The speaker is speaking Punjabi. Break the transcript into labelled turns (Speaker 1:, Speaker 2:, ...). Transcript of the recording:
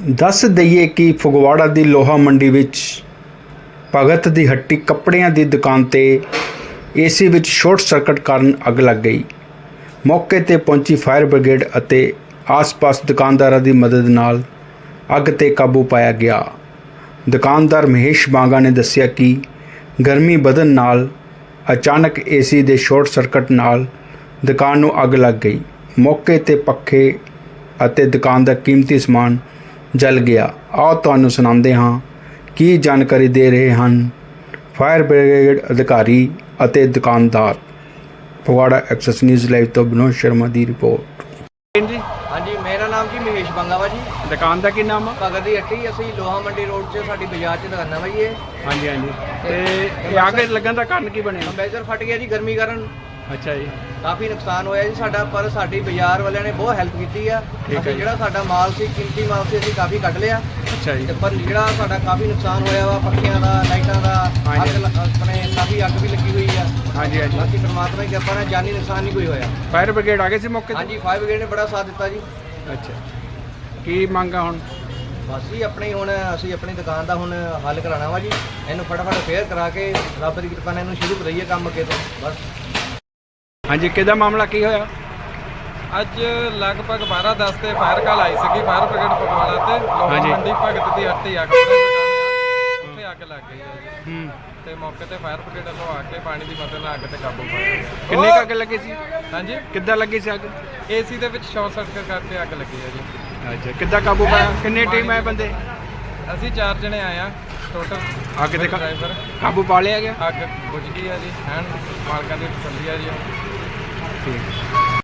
Speaker 1: ਦੱਸ ਦਈਏ ਕਿ ਫਗਵਾੜਾ ਦੀ ਲੋਹਾ ਮੰਡੀ ਵਿੱਚ ਭਗਤ ਦੀ ਹੱਟੀ ਕੱਪੜਿਆਂ ਦੀ ਦੁਕਾਨ ਤੇ ਏਸੀ ਵਿੱਚ ਸ਼ਾਰਟ ਸਰਕਟ ਕਾਰਨ ਅੱਗ ਲੱਗ ਗਈ। ਮੌਕੇ ਤੇ ਪਹੁੰਚੀ ਫਾਇਰ ਬ੍ਰਿਗੇਡ ਅਤੇ ਆਸ-ਪਾਸ ਦੁਕਾਨਦਾਰਾਂ ਦੀ ਮਦਦ ਨਾਲ ਅੱਗ ਤੇ ਕਾਬੂ ਪਾਇਆ ਗਿਆ। ਦੁਕਾਨਦਾਰ ਮਹੇਸ਼ ਬਾਂਗਾ ਨੇ ਦੱਸਿਆ ਕਿ ਗਰਮੀ ਵਧਣ ਨਾਲ ਅਚਾਨਕ ਏਸੀ ਦੇ ਸ਼ਾਰਟ ਸਰਕਟ ਨਾਲ ਦੁਕਾਨ ਨੂੰ ਅੱਗ ਲੱਗ ਗਈ। ਮੌਕੇ ਤੇ ਪੱਖੇ ਅਤੇ ਦੁਕਾਨ ਦਾ ਕੀਮਤੀ ਸਮਾਨ ਜਲ ਗਿਆ। ਆਓ ਤੁਹਾਨੂੰ ਸੁਣਾਉਂਦੇ ਹਾਂ ਕੀ ਜਾਣਕਾਰੀ ਦੇ ਰਹੇ ਹਨ ਫਾਇਰ ਬ੍ਰਿਗੇਡ ਅਧਿਕਾਰੀ ਅਤੇ ਦੁਕਾਨਦਾਰ। ਫਗਵਾੜਾ ਐਕਸੈਸ ਨਿਊਜ਼ ਲਾਈਵ ਤੋਂ ਵਿਨੋਦ ਸ਼ਰਮਾ ਦੀ ਰਿਪੋर्ट।
Speaker 2: जी
Speaker 3: हाँ जी, मेरा नाम जी महेश बंगा वा जी।
Speaker 2: दुकान का की नाम है?
Speaker 3: भगत दी हट्टी असी लोहा मंडी रोड से साडी बाजार च दुकाना वा जी।
Speaker 2: हाँ जी हाँ जी। ते आग लगन का कारण की बने?
Speaker 3: कंप्रेसर फट गया जी गर्मी कारण।
Speaker 2: अच्छा जी।
Speaker 3: काफ़ी नुकसान होया जी साडा, पर साडी बाजार वालियां ने बहुत हेल्प कीती आ।
Speaker 2: ठीक है
Speaker 3: असीं जिहड़ा साडा माल सी कीमती माल सी असीं काफ़ी कढ लिया।
Speaker 2: अच्छा जी।
Speaker 3: ते पर जिहड़ा साडा काफ़ी नुकसान होया वा पक्खियां दा, लाइटां दा,
Speaker 2: हाँ जी।
Speaker 3: अपने काफ़ी अग भी लगी हुई आ।
Speaker 2: हाँ जी हाँ जी।
Speaker 3: बाकी परमात्मा की कृपा नाल जानी नुकसान नहीं कोई होया।
Speaker 2: फायर ब्रिगेड आ गए सी मौके
Speaker 3: हाँ
Speaker 2: ते?
Speaker 3: जी, फायर ब्रिगेड ने बड़ा साथ दिता जी।
Speaker 2: अच्छा की मंग आ हुण?
Speaker 3: बस जी अपनी हुण असीं अपनी दुकान का हुण हल कराना वा जी। इहनूं फटाफट फेयर करा के रब दी कृपा नाल इहनूं शुरू करिए काम अगे तो बस।
Speaker 2: हाँ जी, किहदा मामला की होया?
Speaker 4: ਅੱਜ ਲਗਭਗ 12:10 ਤੇ ਫਾਇਰ ਕਾਲ ਆਈ ਸੀਗੀ ਫਾਇਰ ਬ੍ਰਿਗੇਡ ਫਗਵਾੜਾ ਤੇ ਲੋਹਾ
Speaker 2: ਹਾਂਜੀ।
Speaker 4: ਮੰਡੀ ਭਗਤ ਦੀ ਹੱਟੀ ਅੱਗ ਤੇ ਦੁਕਾਨ ਆ ਉੱਥੇ ਅੱਗ ਲੱਗ ਗਈ ਹੈ ਜੀ। ਤੇ ਮੌਕੇ ਤੇ ਫਾਇਰ ਬ੍ਰਿਗੇਡ ਵੱਲੋਂ ਆ ਕੇ ਪਾਣੀ ਦੀ ਮਦਦ ਨਾਲ ਅੱਗ ਤੇ ਕਾਬੂ ਪਾਇਆ।
Speaker 2: ਕਿੰਨੇ ਕੁ ਅੱਗ ਲੱਗੀ ਸੀ?
Speaker 4: ਹਾਂਜੀ,
Speaker 2: ਕਿੱਦਾਂ ਲੱਗੀ ਸੀ ਅੱਗ?
Speaker 4: ਏਸੀ ਦੇ ਵਿੱਚ ਸ਼ਾਰਟ ਸਰਕਟ ਕਰਕੇ ਅੱਗ ਲੱਗੀ ਹੈ ਜੀ।
Speaker 2: ਅੱਛਾ, ਕਿੱਦਾਂ ਕਾਬੂ ਪਾਇਆ? ਕਿੰਨੀ ਟੀਮ ਆਏ ਬੰਦੇ?
Speaker 4: ਅਸੀਂ 4 ਜਣੇ ਆਏ ਆ ਟੋਟਲ।
Speaker 2: ਅੱਗ ਤੇ
Speaker 4: ਡਰਾਈਵਰ
Speaker 2: ਕਾਬੂ ਪਾ ਲਿਆ ਗਿਆ?
Speaker 4: ਅੱਗ ਬੁਝ ਗਈ ਹੈ ਜੀ। ਐਨ ਮਾਲਕਾਂ ਦੀ ਤਸੱਲੀ ਆ ਜੀ।
Speaker 2: ਠੀਕ।